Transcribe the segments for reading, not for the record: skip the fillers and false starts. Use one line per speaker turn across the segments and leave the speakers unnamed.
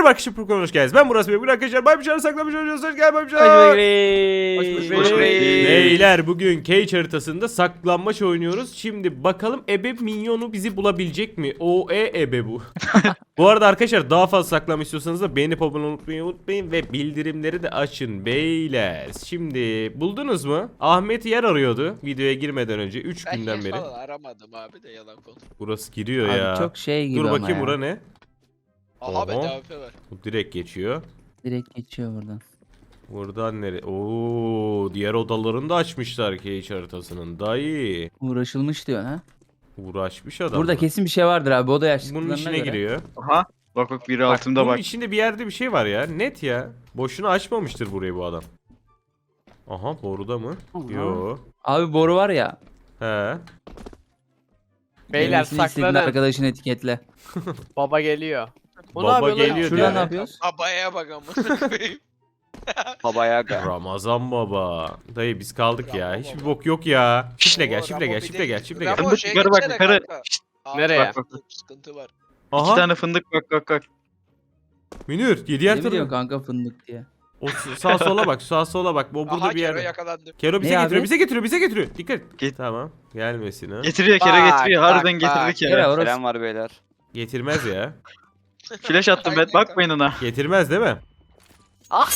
Merhaba arkadaşlar, Furkan hoş geldiniz. Ben Murat Bey. Bugün arkadaşlar Baybıçar'ı saklamış olacağız. Hoş geldin Baybıçar.
Hoş bulduk.
Beyler bugün Cage haritasında saklanmaç oynuyoruz. Şimdi bakalım ebe minyonu bizi bulabilecek mi? Ebe bu. Bu arada arkadaşlar daha fazla saklanma istiyorsanız da beğenip abone olmayı unutmayın ve bildirimleri de açın beyler. Şimdi buldunuz mu? Ahmet yer arıyordu videoya girmeden önce 3
Ben
günden
yer
beri.
falan aramadım abi de yalan konu.
Burası giriyor
Abi
ya.
çok şey gibi
Dur
ama
bakayım
ya.
bura ne?
Aha bende
Oho.
AWP var.
Bu direkt geçiyor.
Direkt geçiyor buradan.
Buradan nereye? Oo, diğer odalarını da açmışlar Cage haritasının. Dayı.
Uğraşılmış diyor ha.
Uğraşmış adam.
Burada kesin bir şey vardır abi. O da
Bunun
yaşlılarına
içine
göre.
giriyor.
Aha. Bak biri
Bak,
altımda
bunun
bak.
içinde bir yerde bir şey var ya. Net ya. Boşuna açmamıştır burayı bu adam. Aha, boruda mı?
Aha.
Yo.
Abi boru var ya.
He.
Beyler
Gelmesini istediğin
saklanın.
arkadaşını etiketle.
Baba geliyor. Bu
Baba
ne yapıyor lan?
geliyor
Şuradan
diyor.
ne yapıyoruz?
Abaya bak amına koyayım.
Babaya gel.
Ramazan baba. Dayı biz kaldık ya.
Rambo
Hiçbir
baba.
bok yok ya. Şifre gel,
Oo,
şifre
Rambo
gel,
bir
şifre
de-
gel, şifre gel.
Rambo
Fındık
şeye
yukarı bak,
gitsene
yukarı.
kanka. Aa,
Nereye?
Bak.
Sıkıntı var.
İki
Aha.
tane fındık bak.
Münir, diğer
Ne biliyorsun
tarafa.
kanka fındık diye.
O sağ sola bak, sağ sola bak. Bu burada
Aha
bir
Kero
yerde.
yakalandı.
Kero bize
Ne
getiriyor,
abi?
bize getiriyor, bize getiriyor. Dikkat.
Git.
Tamam. Gelmesin ha.
Getiriyor kere
Bak,
getiriyor.
bak,
Harbiden
bak.
getirdik
Kere
ya.
orası.
Selam var beyler.
Getirmez ya.
Flash attım ben.
Aynen
Bakmayın ona.
Getirmez değil mi?
Ah!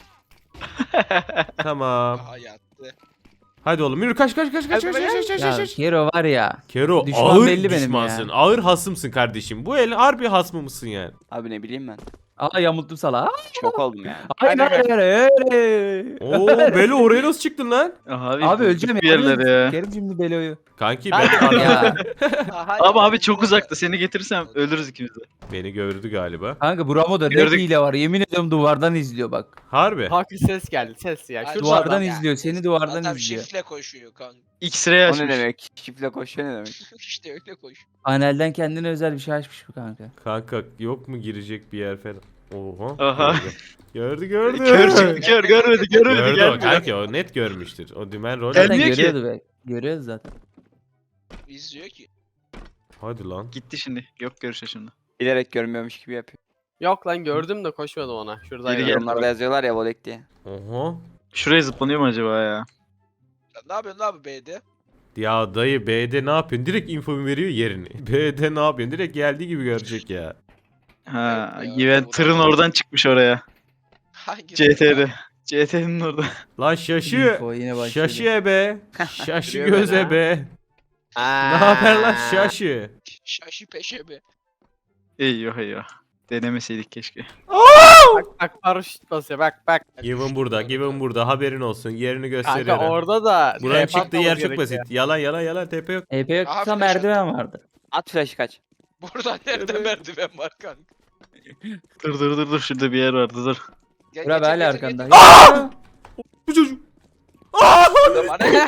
Tamam.
Aha yattı.
Hadi oğlum yürü, kaç.
Ya Kero var ya.
Kero
Düşman
ağır
belli benim
düşmansın.
ya.
Ağır hasımsın kardeşim. Bu el harbi hasmı mısın yani?
Abi ne bileyim ben.
Aa yamulttum sala.
Şok oldum yani.
Hayır hayır.
Oo Belo oraya nasıl çıktın lan?
Abi öleceğim
bir yerlere ya.
Kerim şimdi Belo'yu.
Kanki ben
Ya
Aha,
Ama abi
yattı.
çok uzakta. Seni getirirsem ölürüz ikimiz de.
beni gördü galiba.
kanka bu Ramo'da ne
Gördük.
hile var. Yemin ediyorum duvardan izliyor bak.
Harbi.
Haklı ses geldi ses ya.
Ay,
Şuradan
Duvardan
bak.
ya.
izliyor. Seni duvardan
Adam
izliyor.
şifle koşuyor kanka.
X-ray
O
açmış.
ne demek? Şifle koşuyor ne demek?
İşte öyle koş.
Panelden kendine özel bir şey açmış bu kanka.
Kanka yok mu girecek bir yer falan? Oha.
Aha.
Gördü. Gördü.
Kör çıktı kör. Görmedi
Gördü o
gelmedi.
kanki, o net görmüştür. O dümen rol.
Gel-
Zaten
Gelmiyor ki.
görüyordu be. Görüyoruz zaten.
İzliyor ki.
Hadi lan.
Gitti şimdi. Yok görüşe şimdi.
Bilerek görmüyormuş gibi yapıyor.
Yok lan gördüm de koşmadım ona. Şuradaydı.
Geri gel.
Yorumlarda yazıyorlar ya volek diye.
Oha.
Şuraya zıplanıyor mu acaba ya?
Sen ne yapıyorsun abi B'de?
Ya dayı B'de ne yapıyorsun? Direkt info veriyor yerini. B'de ne yapıyorsun? Direkt geldiği gibi görecek ya.
Ha,
Yok ya,
Güven
bu
tırın
da-
oradan çıkmış oraya.
Hangi?
CT'de. CT'nin orada.
Lan şaşı.
Info yine başladı.
Şaşı ebe. Şaşı
Görüyor
göz
beni ha.
ebe.
Aa.
Ne haber lan şaşı?
Şaşı peşe be.
Eyvah. Denemeseydik keşke.
Bak paraşüt basıyor bak.
Given burada haberin olsun, yerini
Kanka
gösteriyorum.
orada da
Buranın
TP
çıktığı yer
atmamız
çok basit.
gerekiyor.
Yalan TP yok.
EP
Aha,
yoksa
flash
merdiven vardı.
At flash'ı kaç.
Burada nerede merdiven var kanka?
Dur. Şurada bir yer vardı dur.
Gel,
Bura
getir,
böyle
getir,
arkanda.
getir.
Bu çocuk.
Bana ne?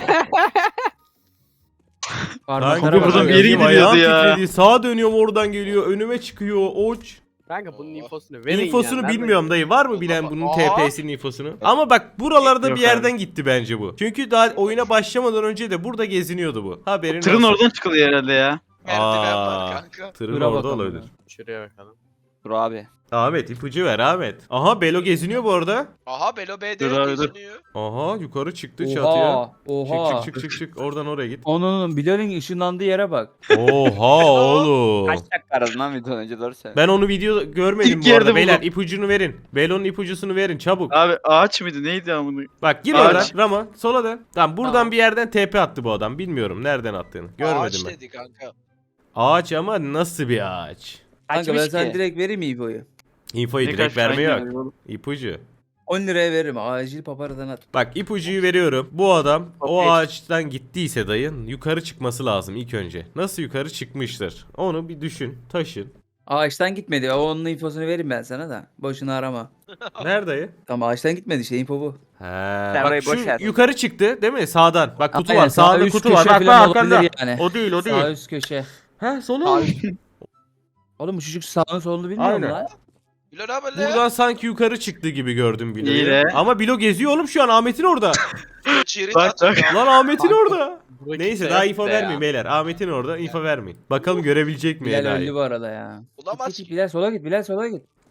Parmaklara
Kanka
buradan
bak.
bir yere gidiyordu
ayağım
ya.
titredi. Sağa dönüyorum oradan geliyor. Önüme çıkıyor. Oç.
Kanka bunun infosunu verin
İnfosunu
ya.
bilmiyorum dayı. Var mı bilen bunun
Aa.
TP'sinin infosunu? Ama bak buralarda
Yok
bir yerden
abi.
gitti bence bu. Çünkü daha oyuna başlamadan önce de burada geziniyordu bu. Haberin
Tırın
olsun.
oradan çıkılıyor herhalde ya.
Merdiven
Aa.
var kanka.
Tırın
Dura
orada
bakalım
olabilir.
ya.
Şuraya bakalım.
Dur abi.
Ahmet ipucu ver Ahmet. Aha Belo geziniyor bu arada.
Aha Belo B'de
Dur abi, dur.
geziniyor.
Aha yukarı çıktı çatıya.
Oha.
Çık. Oradan oraya git.
Onun Bilal'in ışınlandığı yere bak.
Oha oğlum.
Kaç dakika aradın lan videodan önce doğru söyle.
Ben onu video görmedim
İlk
bu arada.
yerde
Beyler
buldum.
ipucunu verin. Belo'nun ipucusunu verin çabuk.
Abi ağaç mıydı neydi amına?
Bak gir
Ağaç.
oradan Rama sola dön. Tamam buradan
Tamam.
bir yerden TP attı bu adam. Bilmiyorum nereden attığını. Görmedim
Ağaç
ben.
dedi kanka.
Ağaç ama nasıl bir ağaç?
Kanka ben
Açmış
sana
ki.
direkt vereyim mi İbo'yu?
Infoyu
Ne
direkt
kaç
verme
tane
yok. İpucu.
10 liraya veririm. Acil paparadan at.
Bak ipucuyu veriyorum. Bu adam o
Okey.
ağaçtan gittiyse dayın yukarı çıkması lazım ilk önce. Nasıl yukarı çıkmıştır? Onu bir düşün, taşın.
Ağaçtan gitmedi. Onun infosunu vereyim ben sana da. Boşuna arama.
Nerede dayı?
Tamam ağaçtan gitmedi işte info bu.
He.
orayı
Bak şu
boş ver.
yukarı çıktı değil mi? Sağdan. Bak kutu
Aynen,
var.
sağ
Sağda
üst
kutu var.
köşe
Bak
falan
bak arkanda.
olabilir yani.
O değil.
Sağ üst köşe.
Ha solu.
Oğlum bu çocuk sağını solunu bilmiyor mu
Aynen.
lan?
Bilo ne haber lan?
Buradan sanki yukarı çıktı gibi gördüm
İyi
Bilo'yu.
de.
Ama Bilo geziyor oğlum şu an Ahmet'in orada.
Çiğrit
Bak,
atıyor.
Lan Ahmet'in orada.
Buradaki
Neyse
şey
daha
yok
info
be
vermeyin
ya.
beyler. Ahmet'in orada info vermeyin. Bakalım görebilecek mi
Bilal
Eda'yı?
öldü bu arada ya.
Bulamaz
Git,
ki.
Bilal sola git. Bilal sola git.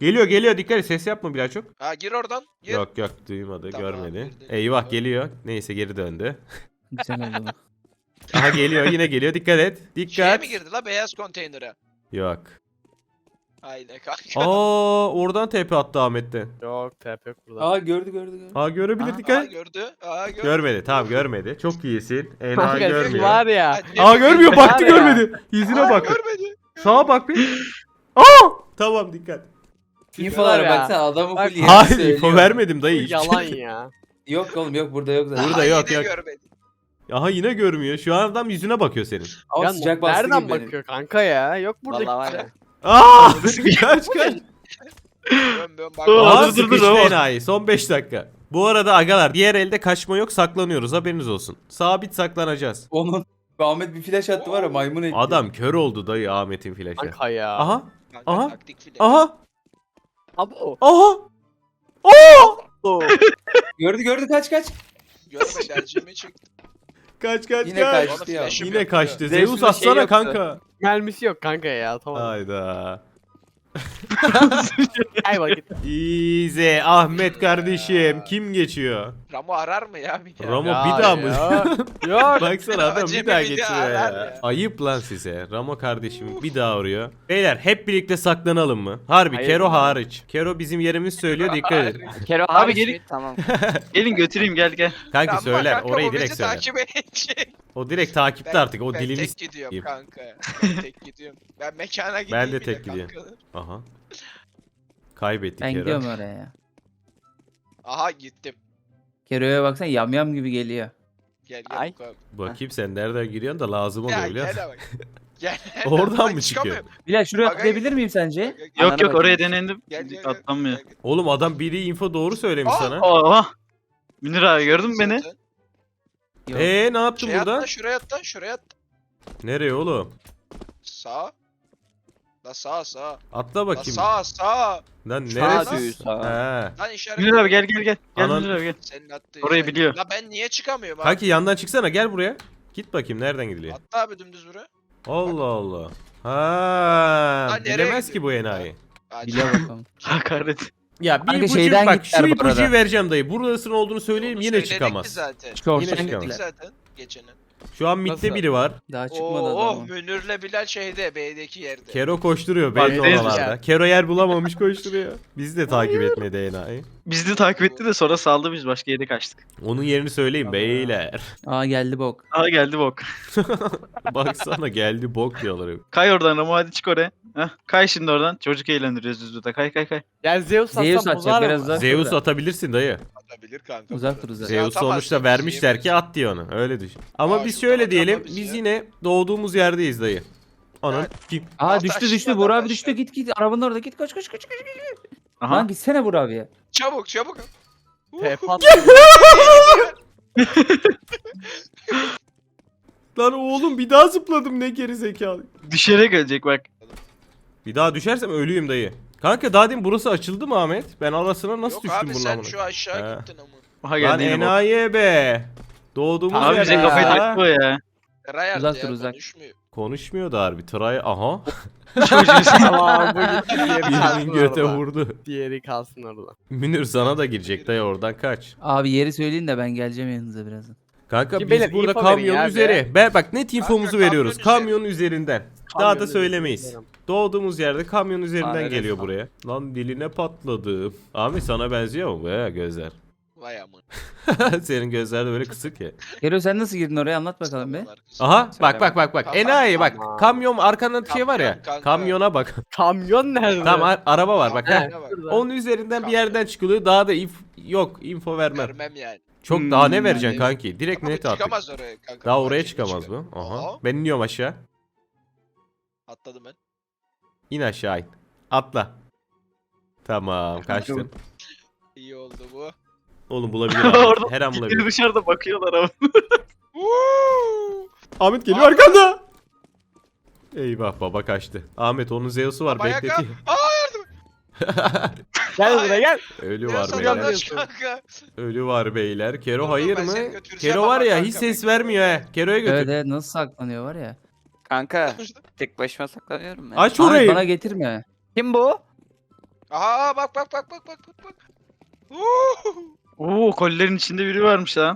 Geliyor geliyor, dikkat et, ses yapma biraz çok.
Ha gir oradan. Gir.
Yok yok, duymadı,
Tamam,
görmedi.
girdi.
Eyvah, geliyor. Neyse, geri döndü.
Güzel oldu.
Aha geliyor, yine geliyor, dikkat et.
Şeye
Dikkat.
mi girdi la beyaz konteynere?
Yok.
Aynen kanka.
Aa, oradan TP attı Ahmet'te.
Yok TP yok burada.
Aa gördü.
Ha, görebilir,
Aa,
dikkat
Aa
et.
gördü. Aa gördü.
Görmedi, tamam görmedi. Çok iyisin. Ena
Kanka siz
görmüyor.
var ya.
Aa, görmüyor, baktı
Var ya.
görmedi. Yüzüne
Aa,
bak.
görmedi.
Sağa bak bir. Aa! Tamam, dikkat.
İnfolara
ya.
baksana adamı
Bak-
full yeri
Hayır,
söylüyor.
info vermedim
Bu
dayı. hiçbir
yalan
şey.
ya.
Yok oğlum yok burada yok zaten.
Burada
Aa,
yok,
yine
yok.
görmedi.
Aha, yine görmüyor. Şu an adam yüzüne bakıyor senin.
Ama
Ya
sıcak bastı
nereden
gibi benim.
bakıyor kanka ya? Yok burada
Vallahi var
kimse.
ya.
Aa! Kaç kaç.
Bön bak.
Aa,
Aa,
dur, dur, dur,
sıkıştı
dur.
enayi. Son 5 dakika. Bu arada agalar, diğer elde kaçma yok, saklanıyoruz, haberiniz olsun. Sabit saklanacağız.
Onun Ahmet bir flash attı var ya maymun etti.
Adam kör oldu dayı Ahmet'in flaşı.
Kanka ya.
Aha,
Kanka,
Aha.
taktik file.
aha,
Abi o.
aha. Oo!
Gördü kaç.
Görmedi elcimi çıktı.
Kaç kaç
Yine
kaç.
kaçtı ya.
Flash'ım
Yine
yok
kaçtı.
Zeus'un
Zeus
da
atsana
şey yoktu.
kanka.
Mermisi yok kanka ya. Tamam.
Hayda.
Ay bak git.
İyice Ahmet kardeşim. Kim geçiyor?
Ramo arar mı ya bir daha?
Ramo
Ya,
bir daha mı?
ya. Yok.
Baksana adam bir
Acemi
daha
bir
geçiyor
daha
ya.
arar ya.
Ayıp lan size. Ramo kardeşim bir daha vuruyor. Beyler hep birlikte saklanalım mı? Harbi
Hayır,
Kero
hayır.
hariç. Kero bizim yerimiz söylüyor, dikkat edin.
Kero
Abi
hariç
gelin.
mi? Tamam.
Gelin götüreyim gel.
Kanki
Ramo
söyler,
kanka,
orayı
bu bizi
direkt söyler.
takip edecek.
O direkt takipte artık, o
ben
dilimiz.
tek gidiyorum
yiyeyim.
kanka. Ben tek gidiyorum. Ben mekana gideyim.
Ben de
bir
tek
kanka.
gidiyorum. Aha. Kaybettik
Ben
Kero.
gidiyorum oraya ya.
Aha gittim.
Kero'ya baksana yamyam gibi geliyor.
Gel
Ay.
gel.
Bakayım sen nereden giriyorsun da lazım oluyor
Ya
biliyor
gel
musun?
bak. Gel.
Oradan
Bak,
mı çıkıyor?
çıkamıyorum.
Bilal şuraya
Bagaj-
atlayabilir miyim sence?
Gel, gel,
Yok
Anana
yok oraya
bakayım.
denendim.
gel, gel,
Atlanmıyor.
gel, gel.
Oğlum adam biri info doğru söylemiş
Aa!
sana.
Oha. Münir abi gördün mü beni?
Zaten.
Yok.
Ne yaptın
Şey
burada?
atla şuraya atla şuraya atla.
Nereye oğlum?
Sağ. La sağ.
Atla
La
bakayım.
sağ.
Lan
Sağ
neresi?
düz, sağ.
He.
Lan işaret.
Münir abi gel. Gel
Anan-
Münir abi gel.
Senin attığı
Orayı
işaret.
biliyor.
La ben niye çıkamıyorum abi?
Kanki yandan çıksana, gel buraya. Git bakayım nereden gidiliyor.
Atla abi dümdüz buraya.
Allah Allah. Ha,
Lan nereye
bilemez ki bu
gidiyor?
enayi.
Hadi.
Bile bakalım.
Hakaret.
Ya bir
Kanka
ipucu
şeyden
bak,
gittiler
şu
bu
ipucuyu
arada.
vereceğim dayı. Burasının olduğunu söyleyeyim,
Onu
yine
söyledik
çıkamaz.
ki zaten.
Şorttan
Yine
Söyledik
çıkamaz.
zaten geçene.
Şu an midde
Nasıl?
biri var.
Daha çıkmadı
Oo,
adam.
Münir'le Bilal şeyde B'deki yerde.
Kero koşturuyor
Bak,
belli
neyse
oralarda.
ya.
Kero yer bulamamış, koşturuyor. Bizi de takip etmedi enayi.
Bizi de takip etti de sonra saldı biz başka yere kaçtık.
Onun yerini söyleyeyim beyler.
Aa geldi bok.
Aa geldi bok.
Baksana geldi bok diyorlar.
Kay oradan Ramo hadi çık oraya. Heh, kay şimdi oradan. Çocuk eğlendiriyoruz biz burada. Kay.
Ya Zeus
Zeus
atsam
atacak,
bozar
biraz
mı?
uzak.
Zeus
burada.
atabilirsin dayı.
Atabilir kanka.
Uzak
burada.
dur uzak.
Zeus
atamazsın,
sonuçta
bizi
vermişler ki
yiyemez.
at diyor onu. Öyle düşün. Ama
Aa,
biz
şuradan
şöyle
atama
diyelim.
bizi
Biz
ya.
yine doğduğumuz yerdeyiz dayı. Anan
Evet.
kim?
Aa
At
düştü
aşağı,
Buğra
at
abi düştü
aşağı.
git arabanın orada git koş.
Aha.
Lan gitsene Buğra abiye.
Çabuk.
TP at.
Lan oğlum bir daha zıpladım, ne geri zekalı.
Düşerek ölecek bak.
Bir daha düşersem ölüyüm dayı. Kanka daha demin burası açıldı mı Ahmet? Ben arasına nasıl
Yok
düştüm
abi
bunun
sen
amına?
şu aşağı
He.
gittin ama.
Aha
Lan
geldi yine bok.
enayi be. Doğduğumuz
Abi bize
yerde
kafayı
ya.
taktı o ya.
Rayard
Uzak
ya
dur, uzak.
konuşmuyor.
Konuşmuyor da harbi. Tray aha.
Tamam bu gitti. Diğeri kalsın
Birinin göte
orada.
vurdu.
Diğeri kalsın orada.
Münir sana da girecek dayı, oradan kaç.
Abi yeri söyleyin de ben geleceğim yanınıza birazdan.
Kanka
Ki
biz
beyler,
burada
info verin
kamyonun
ya
üzeri. Bak net infomuzu
kamyon
veriyoruz.
üzeri.
Kamyonun üzerinden. Daha da
Kamyonun
söylemeyiz.
üzerinden.
Doğduğumuz yerde kamyon üzerinden
Aynen.
geliyor buraya. Lan diline patladı. Abi sana benziyor mu bu ya gözler?
Vay aman.
Senin gözler de böyle kısık ya.
Kero sen nasıl girdin oraya anlat bakalım be.
Aha bak
Söyleme.
bak.
Tamam,
Enayi bak.
tamam.
Kamyon arkanda şey var ya.
Kamyon, kanka.
Kamyona bak.
Kamyon nerede?
Tamam araba var bak.
He,
heh.
şurada.
Onun üzerinden bir
Kamyon.
yerden çıkılıyor. Daha da yok info vermem.
Vermem yani.
Çok daha ne
Hmm,
vereceksin
yani.
kanki? Direkt
Ama
net attık.
çıkamaz oraya kanka.
Daha
Bak
oraya
şimdi
çıkamaz
çıkıyor.
bu. Aha.
Aha,
Ben iniyorum aşağı.
atladım ben.
İn aşağı in. Atla. Tamam kaçtın.
İyi oldu bu.
Oğlum bulabilir Ahmet.
Orada
Her an
Biri
bulabilir.
dışarıda bakıyorlar ama.
Woo!
Ahmet geliyor
Ahmet.
arkanda. Eyvah baba kaçtı. Ahmet onun Zeus'u var
Baba yaka.
bekletiyor.
Gel buraya gel.
Ölü
Ya
var
sen
beyler.
yandaş kanka.
Ölü var beyler. Kero
Dur,
hayır
ben
mı?
seni götüreceğim
Kero var
ama
ya
kanka,
hiç ses
bekle.
vermiyor he. Kero'ya götür.
Evet evet nasıl saklanıyor var ya.
Kanka tek başıma saklanıyorum ben.
Aç
Ahmet
orayı.
bana getirme.
Kim bu?
Aha bak bak bak bak bak bak bak. Vuuu.
Oo kolilerin içinde biri varmış lan.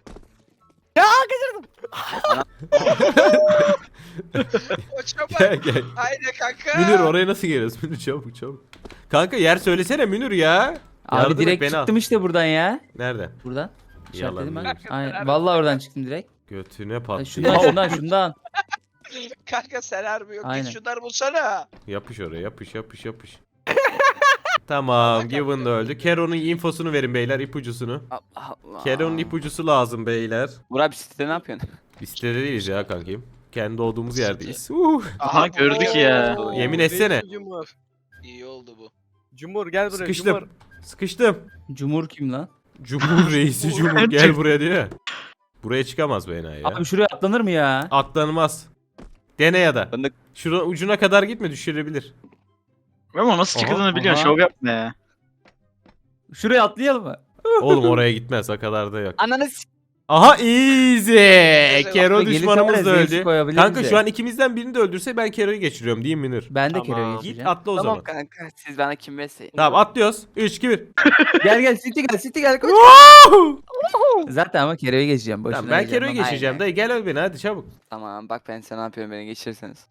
Koça
Gel
bak.
gel.
Haydi kanka.
Münir oraya nasıl geliyoruz? Münir çabuk çabuk. Kanka yer söylesene Münir ya.
Abi
Yardım et,
direkt
beni al.
çıktım işte buradan ya.
Nereden?
Buradan. İşaretledim ben.
Yalan
Aynen. Vallahi oradan çıktım direkt.
Götüne
Ya
patlıyor.
şundan.
Kanka sen harbi yok.
Aynen.
Git şunları bulsana.
Yapış oraya yapış. Tamam Given da öldü. Kero'nun infosunu verin beyler, ipucusunu.
Allah Allah.
Kero'nun ipucusu lazım beyler.
Burak bir sitede ne yapıyorsun?
Biz sitede değiliz ya kankim. Kendi olduğumuz yerdeyiz.
Aha gördük ya.
Yemin etsene.
Cumhur.
İyi oldu bu.
Cumhur gel buraya.
Sıkıştım.
Cumhur.
Sıkıştım.
Cumhur kim lan?
Cumhur reisi Cumhur gel buraya diyor ya. Buraya çıkamaz bu enayi ya.
Abi şuraya atlanır mı ya?
Atlanmaz. Dene ya da.
Fındık.
Şura ucuna kadar gitme, düşürebilir.
Ama nasıl
Aha,
çıkıldığını biliyorsun.
aha.
Şov yapma ya.
Şuraya atlayalım mı?
Oğlum oraya gitmez, o kadar da yok.
Ananı
Aha easy. Kero
Gelirse
düşmanımız
var
da
ya, Zeus'u
öldü.
koyabilir
Kanka
bize.
şu an ikimizden birini de öldürse ben Kero'yu geçiriyorum değil mi Münir?
Ben de
Tamam.
Kero'ya
Git
geçeceğim.
atla o
Tamam
zaman.
kanka siz bana kim besleyin?
Tamam atlıyoruz. 3 2 1.
Gel City gel koş. Zaten ama Kero'ya geçeceğim. Boşuna
Tamam ben Kero'yu
heyecanlanma.
geçeceğim.
Aynen.
Dayı gel öl beni hadi çabuk.
Tamam bak ben sana ne yapıyorum beni geçirirseniz.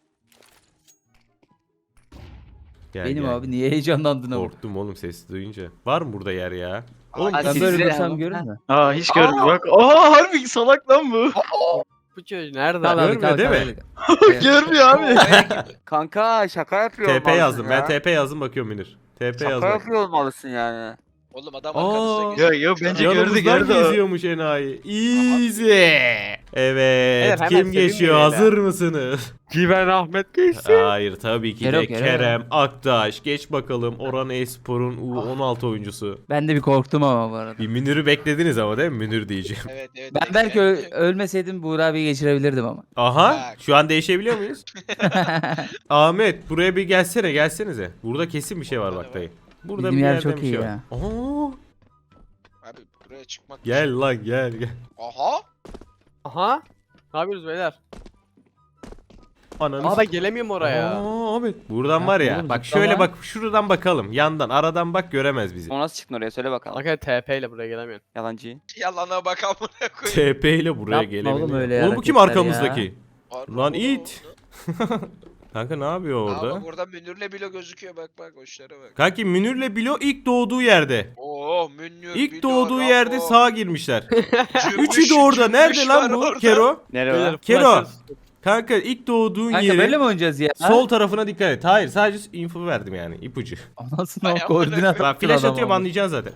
Gel,
Benim
gel.
abi niye heyecanlandın ama?
Korktum oğlum sesi duyunca. Var mı burada yer ya? Oğlum
Aa,
Ben
siz
böyle
de
dursam
ama.
görür mü?
Aa hiç görmedim. Bak. Aa harbi salak lan bu.
Bu çocuk nerede?
Kal abi,
Görmüyor
kal,
değil
kal,
mi?
kal.
Görmüyor abi.
Kanka şaka yapıyor
TP
olmalısın
yazdım.
ya.
Ben TP yazdım bakıyorum Münir. TP
Şaka
yazdım.
yapıyor olmalısın yani.
Oğlum adam
Aa.
arkanızda geziyor.
Yo bence gördü
Yanımızdan
gördü. o.
geziyormuş enayi. Easy. Evet.
hemen
Kim
sevinmeyin
geçiyor?
ya.
Hazır mısınız?
Güven Ahmet geçsin.
Hayır tabii ki de
Kero.
Kerem Aktaş. Geç bakalım Orhan Espor'un U16 oyuncusu.
Ben de bir korktum ama bu arada.
Bir Münir'ü beklediniz ama değil mi? Münir diyeceğim.
Evet evet.
Ben
evet,
belki
evet.
ölmeseydim Buğra abiyi geçirebilirdim ama.
Aha.
Bak.
Şu an değişebiliyor muyuz? Ahmet buraya bir gelsenize. Burada kesin bir şey var bak dayı. Burada
Bizim
bir
yer
yerde
çok
bir şey
iyi
var.
ya.
Aa,
Abi buraya çıkmak.
gel lan gel.
Aha.
Aha. Ne yapıyoruz beyler?
Ananı
Aa ben gelemiyorum oraya.
Aa, Ahmet. Buradan
Ya
var ya.
oğlum,
Bak
zıplama.
şöyle bak şuradan bakalım. Yandan aradan bak göremez bizi.
O nasıl çıktın oraya söyle bakalım.
Arkadaşlar TP ile buraya gelemiyorum.
Yalancı.
Yalana bak amına koyayım.
TP ile buraya
Yapma
gelebilir.
oğlum öyle
Oğlum bu kim
hareketler
arkamızdaki?
Harbi
Lan
oldu,
it.
oldu.
Kanka ne yapıyor
Aa,
orada?
bak oradan Münir'le bile gözüküyor bak bak hoşlara bak.
Kanki Münir'le Bilo ilk doğduğu yerde.
Oo Münir.
İlk
Bilo,
doğduğu
Rambo,
yerde sağa girmişler.
Cümbüş,
Üçü de orada.
cümbüş
Nerede lan
var
bu?
orada.
Kero.
Nereye
Beyler,
var?
Kero.
flash-
Kanka ilk doğduğun
Kanka
yeri
böyle mi oynayacağız ya?
sol tarafına dikkat et. Hayır sadece info verdim yani ipucu.
Anasını
Ay,
o koordinat
Bak
attın
flash
adama.
atıyorum anlayacaksın zaten.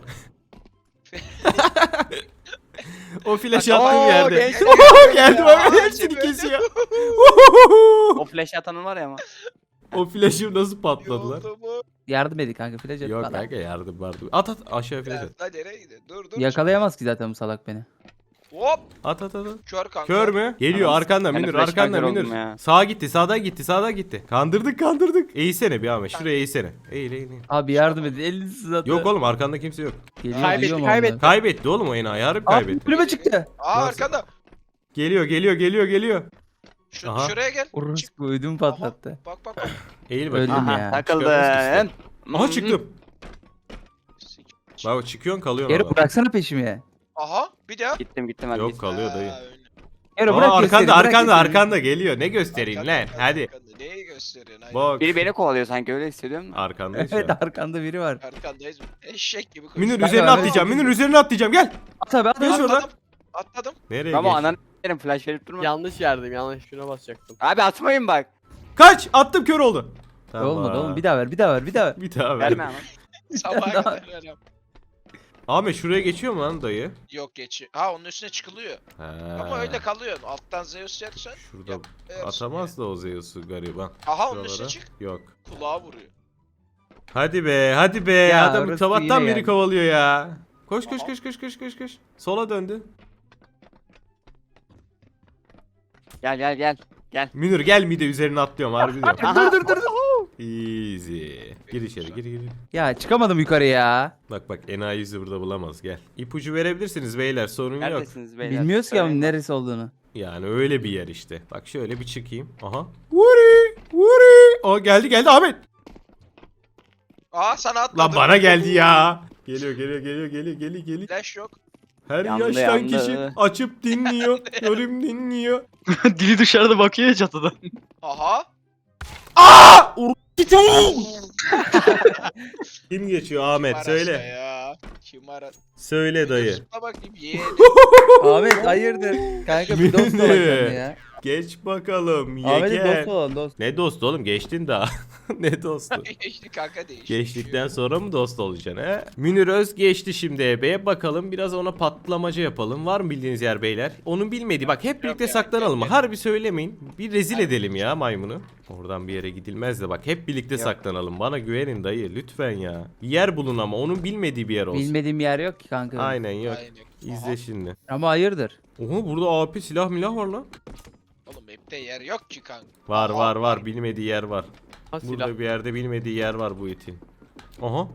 O flash
Bak,
attığım
aa,
yerde.
gel-
Geldim
Aa,
abi hepsini
Cemil.
kesiyor.
O flash atanın var ya ama.
O flash'ım nasıl patladı lan?
Yoldu bu.
Yardım edin kanka flash at
Yok
bana.
kanka yardım vardı. At aşağı flash
Ya,
at.
lan nereye gidiyor? Dur.
Yakalayamaz ki zaten bu salak beni.
Hop.
At.
Kör kanka.
Kör mü? Geliyor
Anam,
arkanda
ben de
Münir
flash
arkanda
kör
Münir.
oldum ya.
Sağa gitti sağdan gitti. Kandırdık. Eğilsene bir Ahmet şuraya eğilsene. Eğil.
Abi yardım edin elini sızatı.
Yok oğlum arkanda kimse yok.
Geliyor,
Kaybetti,
duyuyor mu
kaybetti.
onları?
Kaybetti oğlum o enayi harbi
Aa
kaybetti.
kulübe çıktı.
Aa
Nasıl?
arkanda.
Geliyor.
Aha. Şuraya gel. Çık.
Orospu ödümü patlattı.
Bak.
Eğil
Öldüm
bakayım.
ya.
Aha takıldın.
Çıkarız Aha
Mhm.
çıktım. Bak çıkıyorsun kalıyorsun
Geri
orada.
bıraksana peşimi.
Aha. Bir daha.
Gittim hadi
Yok
git.
kalıyor dayı.
öyle.
Geri bırak
Aa,
göstereyim, bırak göstereyim.
arkanda geliyor. Ne göstereyim lan? Hadi.
Neyi gösteriyorsun? Aynen.
Bak.
Biri beni kovalıyor sanki öyle hissediyorum da.
Arkandayız şu
Evet
an.
arkanda biri var.
Arkandayız. Eşek gibi koşuyor.
Münir
Ben
üzerine
de-
atlayacağım. Münir üzerine atlayacağım. Gel.
At abi at
Geç
at.
oradan.
Atladım.
Nereye
Ama
geç?
ananı s**erim flash verip durma.
Yanlış yerdeyim yanlış şuna basacaktım.
Abi atmayın bak.
Kaç. Attım kör oldu.
Olmadı oğlum bir daha ver.
Bir daha ver.
Verme ama.
Sabaha kadar öyle.
Ahmet şuraya geçiyor mu lan dayı?
Yok geçiyor. Ha onun üstüne çıkılıyor. Ama öyle kalıyor. Alttan Zeus yersen.
Şurada
yap- yersin
atamaz da o Zeus'u gariban.
Aha onun üstüne
Şuralara.
çık.
Yok.
Kulağa vuruyor.
Hadi be.
Ya,
Adam
orası
sabahtan
yine
beri
geldi.
kovalıyor ya. Koş.
Aha.
Sola döndü.
Gel.
Münir gel mide üzerine atlıyorum harbi diyorum.
Aha.
Dur.
Easy. Gir içeri gir.
Ya çıkamadım yukarı ya.
Bak enayi yüzü burada bulamaz gel. İpucu verebilirsiniz beyler sorun yok.
Neredesiniz beyler?
Bilmiyoruz ki ama
Söyleyin.
neresi olduğunu.
Yani öyle bir yer işte. Bak şöyle bir çıkayım. Aha. Vuri. Aa geldi Ahmet.
Aa sana atladım.
Lan bana geldi ya. Geliyor.
Flash yok.
Her
Yandı,
yaştan
yandı.
kişi açıp dinliyor. Yorum dinliyor.
Dili dışarıda bakıyor ya çatıdan.
Aha.
Aa! Kim geçiyor Ahmet?
Kim
Söyle.
arasa Ya. Kim ara?
Söyle dayı.
Zıpla bakayım yeğenim.
Ahmet hayırdır? Kanka bir dost
Mini.
olacaksın ya.
Geç bakalım.
Ahmet'in
Yeker.
dost olan dost.
Ne dostu oğlum? Geçtin daha. Ne dostu?
Geçti kanka değişti.
Geçtikten sonra mı dost olacaksın he? Münir Öz geçti şimdi EB'ye. Bakalım biraz ona patlamaca yapalım. Var mı bildiğiniz yer beyler? Onun bilmediği. Bak hep birlikte
Yok ya,
saklanalım.
yok.
Harbi söylemeyin. Bir rezil edelim ya maymunu. Oradan bir yere gidilmez de bak hep birlikte saklanalım. Bana güvenin dayı lütfen ya. Bir yer bulun ama onun bilmediği bir yer olsun.
Bilmediğim yer yok ki kanka.
Aynen yok.
Aynen.
İzle şimdi.
Ama hayırdır?
Oha burada AP silah milah var lan.
Oğlum map'te yer yok ki kanka.
Var
Aha,
var bilmediği yer var.
Ha, silah.
Burada bir yerde bilmediği yer var bu itin. Aha.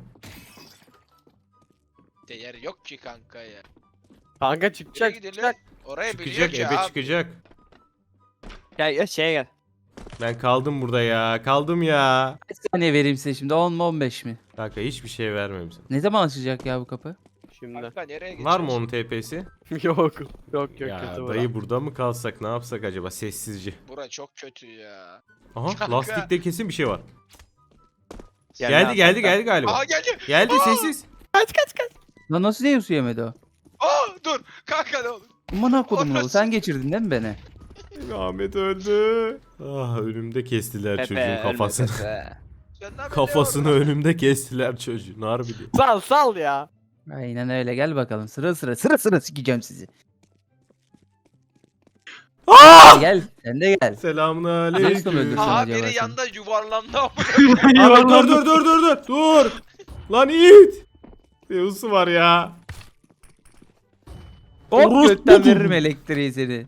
Map'te yer yok ki kanka ya.
Kanka
Nereye
çıkacak.
gidelim?
Çıkacak.
Oraya biliyor
Çıkacak
ki
ebe
abi.
çıkacak.
Gel şeye gel.
Ben kaldım burada ya. Kaldım ya.
Kaç saniye vereyim size şimdi? 10 mu 15 mi?
Kanka hiçbir şey vermem sana.
Ne zaman açılacak ya bu kapı?
Şimdi.
Kanka nereye gideceğiz?
Var mı onun TP'si?
Yok. Yok
Ya
kötü
dayı burada mı kalsak ne yapsak acaba sessizce.
Bura çok kötü ya.
Aha
Kanka.
lastikte kesin bir şey var.
Gel
Geldi
ya,
galiba.
Aha geldi.
Geldi
Aa!
sessiz.
Lan nasıl diye su yemedi o?
Aa dur. Kanka ne olur.
Aman kodumun oğlu
Orası.
sen geçirdin değil mi beni?
Ahmet öldü. Ah önümde kestiler
Pepe,
çocuğun
ölme
kafasını.
Pepe.
Senden
Kafasını önümde kestiler çocuğun harbi diyor.
Sal ya.
Aynen öyle gel bakalım sıra sikeceğim sizi.
Aa!
Gel sen de gel.
Selamun
Nasıl
aleyküm.
öldürsün
Aha
acaba
biri
seni?
yanda yuvarlandı ama.
Ahmet dur. Lan it. Yavuz'u var ya.
Hop
Orospu
götten
bu.
veririm elektriği seni.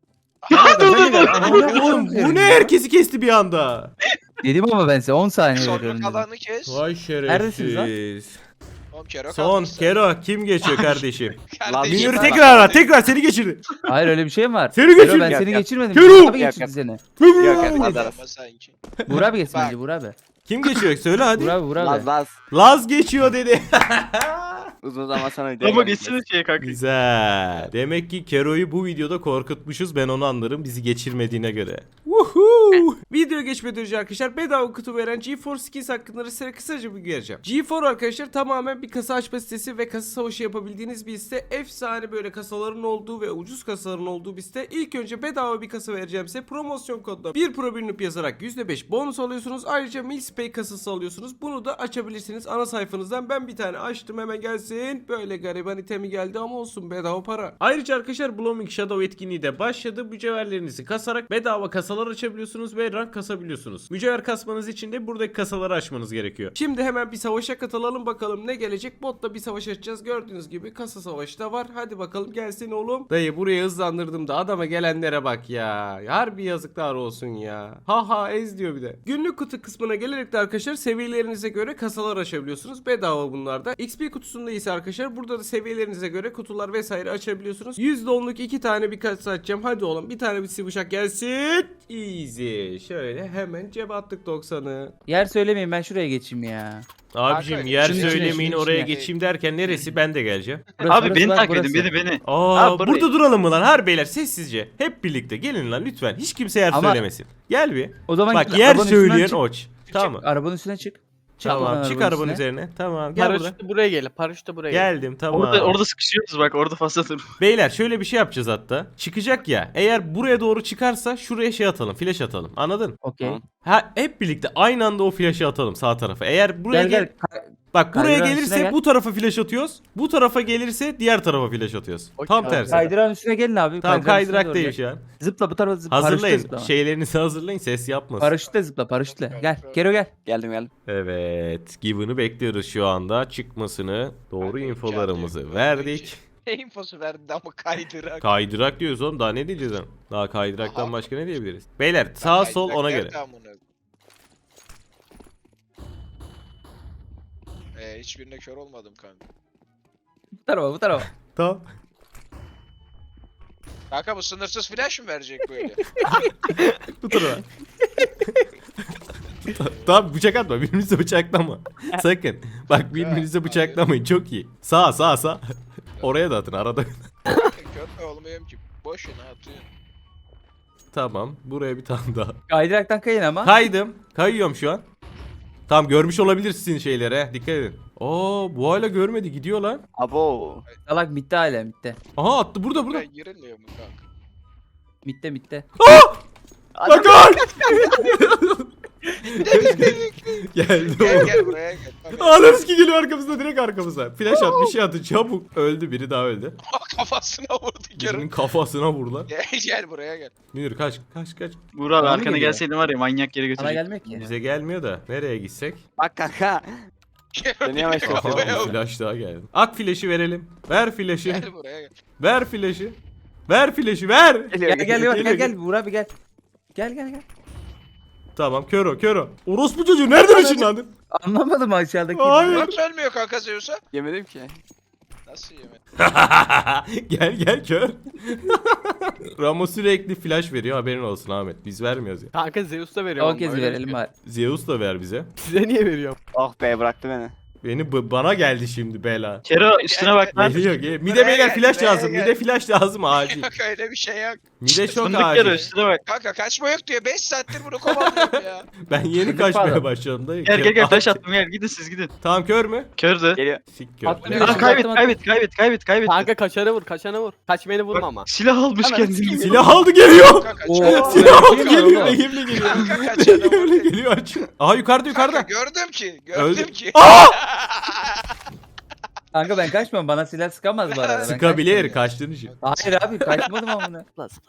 Oğlum bu ne herkesi kesti bir anda.
Dedim ama ben size 10 saniye
Son
veriyorum dedim.
kalanı kes.
Vay
Neredesiniz lan?
şerefsiz.
Oğlum Kero
Son
kalmışsın.
Kero kim geçiyor kardeşim?
Kardeşim.
Münir'i
Münir'i
Bak,
tekrar seni geçirdi.
Hayır öyle bir şey mi var?
Seni
Kero,
geçirdi.
ben
Yok,
seni
yok.
geçirmedim.
Kero!
Burak abi
Yok,
geçirdi
yok.
seni.
Yok yok
Ama
Adaras.
sanki.
Burak abi geçsin
Bak.
bence Burak abi.
Kim geçiyor söyle hadi.
Burak abi.
Laz.
Laz geçiyor dedi.
Uzun zaman sonra
Ama geçsene şeye kanka.
Güzel. Demek ki Kero'yu bu videoda korkutmuşuz. Ben onu anlarım bizi geçirmediğine göre. Woohoo! Video geçmeden önce arkadaşlar bedava kutu veren GeForce Skins hakkında size kısaca bir vereceğim. GeForce arkadaşlar tamamen bir kasa açma sitesi ve kasa savaşı yapabildiğiniz bir site. Efsane böyle kasaların olduğu ve ucuz kasaların olduğu bir site. İlk önce bedava bir kasa vereceğim size. Promosyon kodla 1 pro bilinip yazarak %5 bonus alıyorsunuz. Ayrıca Milspay kasası alıyorsunuz. Bunu da açabilirsiniz ana sayfanızdan. Ben bir tane açtım hemen gelsin. Böyle gariban itemi geldi ama olsun bedava para. Ayrıca arkadaşlar Blooming Shadow etkinliği de başladı. Mücevherlerinizi kasarak bedava kasalar açabiliyorsunuz ve rank kasabiliyorsunuz. Mücevher kasmanız için de buradaki kasaları açmanız gerekiyor. Şimdi hemen bir savaşa katılalım bakalım ne gelecek. Botla bir savaş açacağız. Gördüğünüz gibi kasa savaşı da var. Hadi bakalım gelsin oğlum. Dayı buraya hızlandırdım da adama gelenlere bak ya. Harbi yazıklar olsun ya. Ha ez diyor bir de. Günlük kutu kısmına gelerek de arkadaşlar seviyelerinize göre kasalar açabiliyorsunuz. Bedava bunlar da. XP kutusunda ise arkadaşlar burada da seviyelerinize göre kutular vesaire açabiliyorsunuz. %10'luk 2 tane bir kasa açacağım. Hadi oğlum bir tane bir sıvışak gelsin. Easy. Şöyle hemen cebe attık 90'ı.
Yer söylemeyin ben şuraya geçeyim ya.
Abicim
Kanka,
yer
şunun içine,
söylemeyin
şunun
oraya
içine.
geçeyim derken neresi ben de geleceğim.
Burası,
Abi
burası
beni
bak,
takip
burası.
edin beni.
Aa
Ha, burayı.
burada duralım mı lan? Har beyler sessizce. Hep birlikte gelin lan lütfen. Hiç kimse yer
Ama-
söylemesin. Gel bir.
O zaman
Bak
git,
yer
arabanın üstünden
söyleyen
çık.
oç. Tamam.
Arabanın üstüne çık.
Tamam
oradan
çık arabanın üzerine. Tamam gel burada.
Paraşüt buraya gel. Paraşüt de buraya gel.
Geldim tamam.
Orada sıkışıyoruz bak orada fazla dur.
Beyler şöyle bir şey yapacağız hatta. Çıkacak ya. Eğer buraya doğru çıkarsa şuraya şey atalım. Flash atalım. Anladın?
Okey.
Tamam.
Ha hep birlikte aynı anda o flash'ı atalım sağ tarafa. Eğer buraya
Gel gel.
Bak buraya
Kaydıran
gelirse
üstüne gel.
bu tarafa flash atıyoruz. Bu tarafa gelirse diğer tarafa flash atıyoruz.
Okey,
Tam
abi.
tersi.
Kaydıran üstüne gelin abi.
Tamam
kaydıran üstüne
kaydırak
doğru
değil
gel.
şu an.
Zıpla bu tarafa zıpla.
Hazırlayın.
Paraşütle zıpla.
Şeylerinizi hazırlayın ses yapmasın.
Paraşütle zıpla paraşütle. Gel. Kero gel.
Geldim.
Evet. Given'ı bekliyoruz şu anda. Çıkmasını. Doğru
Kanka,
infolarımızı
imkanı yok.
verdik.
Ne infosu verdi ama kaydırak.
Kaydırak diyoruz oğlum. Daha ne diyeceğiz lan? Daha kaydıraktan
Aha.
başka ne diyebiliriz? Beyler sağ sol
Kaydırak
ona göre.
nerede amına? Hiçbirine kör olmadım kanka.
Bu tarafa bu tarafa.
Tamam.
Kanka bu sınırsız flash mı verecek böyle?
Bu tarafa. Tamam bıçak atma. Birbirinize bıçaklama. Sakın. Bak birbirinize bıçaklamayın. Çok iyi. Sağ. Oraya da atın arada.
Körpe olmayayım ki. Boşuna atıyorsun.
Tamam. Buraya bir tane daha.
Kaydıraktan kayın ama.
Kaydım. Kayıyorum şu an. Tamam görmüş olabilirsin şeylere. Dikkat edin. Oo bu hala görmedi. Gidiyor lan.
Abo.
Salak bitti hala bitti.
Aha attı burada.
Buraya girilmiyor mu kanka?
Bitti.
Bak lan! Geldi o.
Gel buraya gel.
Anarız ki geliyor arkamızda direkt arkamıza. Flash at bir şey atın çabuk. Öldü biri daha öldü.
Kafasına vurdu
Birinin
körün.
kafasına vur lan.
Gel buraya gel.
Münir kaç.
Buğra abi
Bana mı
arkana
geliyor?
gelseydin var ya manyak yere
Bana
götürecek.
gelmek ki.
Bize gelmiyor da nereye gitsek?
Bak kanka. Beni yavaş
Aha
yapıyor.
bir flash daha geldi. Ak flash'ı verelim. Ver flash'ı.
Gel buraya gel.
Ver flash'ı. Ver flash'ı ver.
Gel Buğra abi gel. Gel.
Tamam kör o. Orospu çocuğu nereden ışınlandın?
Anlamadım aşağıdaki.
Hayır.
Nasıl ölmüyor kanka Zeus'a?
Yemedim ki.
Nasıl yemedi?
gel kör. Ramo sürekli flash veriyor haberin olsun Ahmet. Biz vermiyoruz ya.
Kanka Zeus da veriyor.
O kez verelim bari.
Zeus da ver bize.
Size niye veriyorum?
Oh be bıraktı beni.
Bana geldi şimdi bela.
Kero üstüne bak lan.
Geliyor. Mide beyler flash
buraya
lazım.
gel.
Mide flash lazım acil.
Kanka öyle bir şey yok.
Mide çok
Fındık Kero
acil.
üstüne bak.
Kanka kaçma yok diyor. 5 saattir bunu kovalıyorum ya.
Ben yeni
Fındık
kaçmaya
pardon.
başladım dayı.
Gel flash attım gel gidin siz gidin.
Tamam kör mü?
Kördü.
Geliyor.
Sik kör.
Atlıyor.
Aa, kaybet.
Kanka kaçana vur. Kaç beni vurma ama.
Silah almış
Ananı
kendini.
sikeyim.
Silah aldı geliyor.
Kanka kaçana.
Silah aldı
Kim
geliyor.
var oğlum?
Elimle geliyor.
Kanka kaçana
Elimle
vur.
geliyor aç. Aha yukarıda.
Kanka gördüm ki.
Öldü.
Gördüm ki.
Kanka ben kaçmam bana silah sıkamaz bu arada. Ben
Sıkabilir
kaçmıyorum.
kaçtığın için.
Hayır abi kaçmadım amına.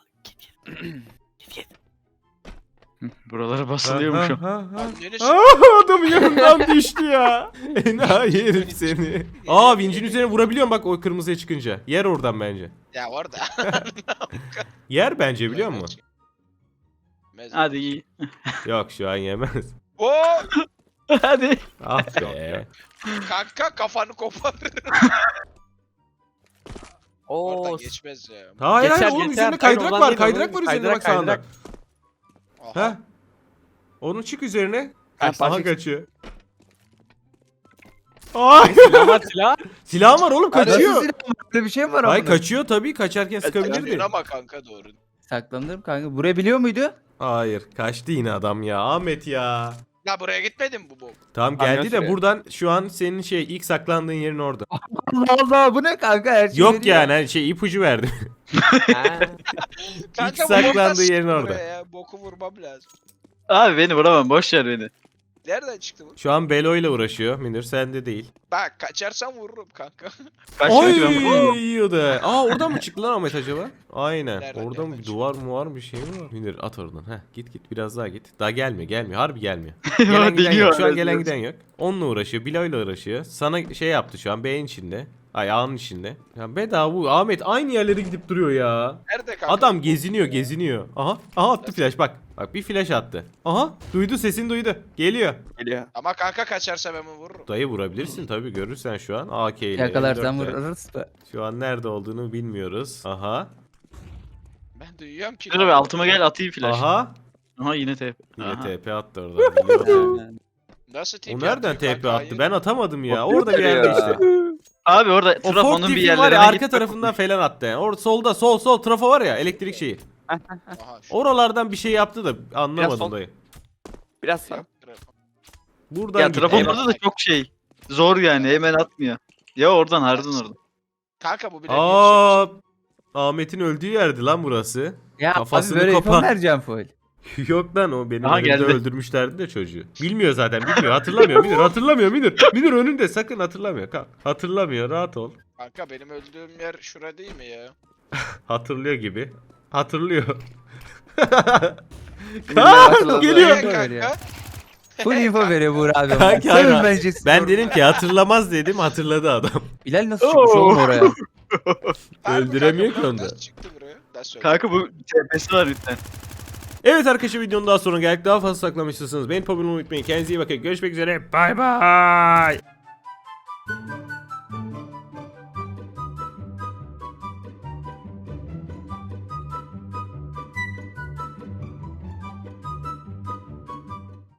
Buralara basılıyormuş o.
Anneniz.
Adam yanından düştü ya. Enayi herif seni. Aa vincin üzerine vurabiliyorum bak o kırmızıya çıkınca. Yer oradan bence.
Ya orada.
Yer bence biliyor musun?
Hadi iyi.
Yok şu an yemez.
Oo!
Hadi.
Ah be.
Kanka kafanı kopar.
Oo.
Oradan geçmez ya.
Hayır
Geçer,
oğlum
geçer.
üzerinde
Hayır,
kaydırak
oradan
var.
değil,
Kaydırak
oradan
var üzerinde
değil.
bak sağında.
Aha.
Ha? Onun çık üzerine.
Ha,
Aha kaçıyor. Ay
Silah.
silah var oğlum
Nasıl
kaçıyor.
silah var? Böyle bir şey mi var
Ay
amına?
kaçıyor tabii kaçarken sıkabilirdi.
Kaçıyor ama kanka doğru.
Saklanırım kanka. Vurabiliyor muydu?
Hayır kaçtı yine adam ya Ahmet ya.
Ya buraya gitmedin bu bok.
Tamam
Kamyon
geldi de
sürüyor.
buradan şu an senin ilk saklandığın yerin orada.
Allah Allah bu ne kanka her şey
Yok
veriyor.
yani hani ipucu verdi.
Ha.
Kanka bu
saklandığı
boktan çıktı
yerin orada.
buraya ya. Boku vurmam lazım.
Abi beni vuramam boş ver beni.
Nereden çıktı bu?
Şu an Belo ile uğraşıyor Münir sende değil.
Bak kaçarsam vururum kanka.
Kaçıyor ki ben vuramam.
yiyordu. Aa oradan mı çıktı lan Ahmet acaba? Aynen.
Nereden,
Orada mı
nereden
bir duvar mı var bir şey mi var? Münir at oradan. Heh git biraz daha git. Daha gelmiyor. Harbi gelmiyor. Gelen giden
Deniyor
yok. Şu an
arada.
gelen giden yok. Onunla uğraşıyor. Bilo ile uğraşıyor. Sana şey yaptı şu an beyin içinde. Ay ağın içinde. Ya bedava bu. Ahmet aynı yerlere gidip duruyor ya.
Nerede kanka?
Adam geziniyor. Aha attı flash bak. Bak bir flash attı. Aha duydu sesini duydu. Geliyor.
Geliyor.
Ama kanka kaçarsa ben bunu vururum.
Dayı vurabilirsin tabii görürsen şu an AK ile.
Yakalarsan
M4'le.
vururuz.
Şu an nerede olduğunu bilmiyoruz. Aha.
Ben duyuyorum ki.
Dur abi altıma gel atayım flash.
Aha.
Aha yine tep.
Yine
Aha.
TP attı orada. biliyorum.
Nasıl tip
O nereden
yaptın
TP
kanka?
attı?
Hayır.
Ben atamadım ya.
O
Orada bir yerde
ya.
işte.
Abi orada
O Ford
trafonun bir
tipin var
yerlerine
ya arka
git.
tarafından falan attı yani. Orada solda sol trafo var ya elektrik şeyi.
Aha şu.
Oralardan bir şey yaptı da
Biraz
anlamadım
sol.
dayı.
Biraz sağ.
Buradan
Ya
gitti.
trafonun orada da çok şey. Zor yani hemen atmıyor. Ya oradan harbiden orada.
Kanka bu bile
Aa, Ahmet'in öldüğü yerdi lan burası.
Ya
Kafasını
abi böyle
kopan.
info vereceğim full.
Yok lan o benim
Aha,
önümde
geldi.
öldürmüşlerdi de çocuğu. Bilmiyor zaten bilmiyor hatırlamıyor Münir. Münir önünde sakın hatırlamıyor. Kalk. Hatırlamıyor rahat ol.
Kanka benim öldüğüm yer şura değil mi ya?
Hatırlıyor gibi. Hatırlıyor.
hatırladı.
Geliyor.
Info
Kanka.
veriyor. Full info veriyor Buğra abi.
Kanka,
Sevin
hayır.
bence
Ben dedim ki hatırlamaz dedim hatırladı adam.
Bilal nasıl çıkmış oğlum oraya?
Harbi
Öldüremiyor
kanka,
ki onda.
Nasıl çıktı buraya? Nasıl öldü?
Kanka bu tepesi var lütfen.
Evet arkadaşlar videonun daha sonra geldik. Daha fazla saklamak istiyorsanız beni abone olmayı unutmayın. Kendinize iyi bakın. Görüşmek üzere. Bay bay.